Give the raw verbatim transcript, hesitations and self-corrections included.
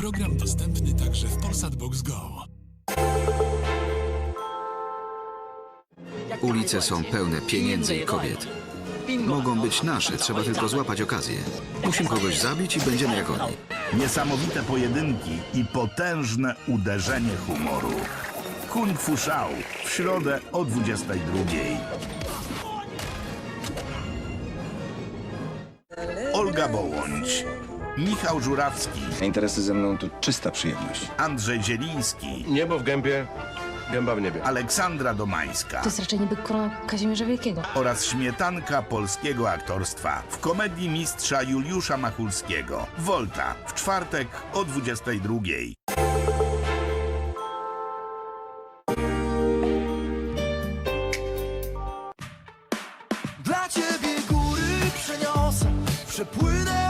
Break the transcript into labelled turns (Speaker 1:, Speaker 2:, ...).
Speaker 1: Program dostępny także w Polsat Box Go.
Speaker 2: Ulice są pełne pieniędzy i kobiet. Mogą być nasze, trzeba tylko złapać okazję. Musimy kogoś zabić i będziemy jak oni.
Speaker 3: Niesamowite pojedynki i potężne uderzenie humoru. Kung Fu Shao w środę o dwudziestej drugiej. Olga Bołądź, Michał Żurawski,
Speaker 4: Interesy ze mną to czysta przyjemność.
Speaker 3: Andrzej Zieliński,
Speaker 5: Niebo w gębie, gęba w niebie.
Speaker 3: Aleksandra Domańska
Speaker 6: To jest raczej niby korona Kazimierza Wielkiego.
Speaker 3: oraz śmietanka polskiego aktorstwa w komedii mistrza Juliusza Machulskiego. Volta w czwartek o dwudziestej drugiej.
Speaker 7: Dla ciebie góry przeniosę, przepłynę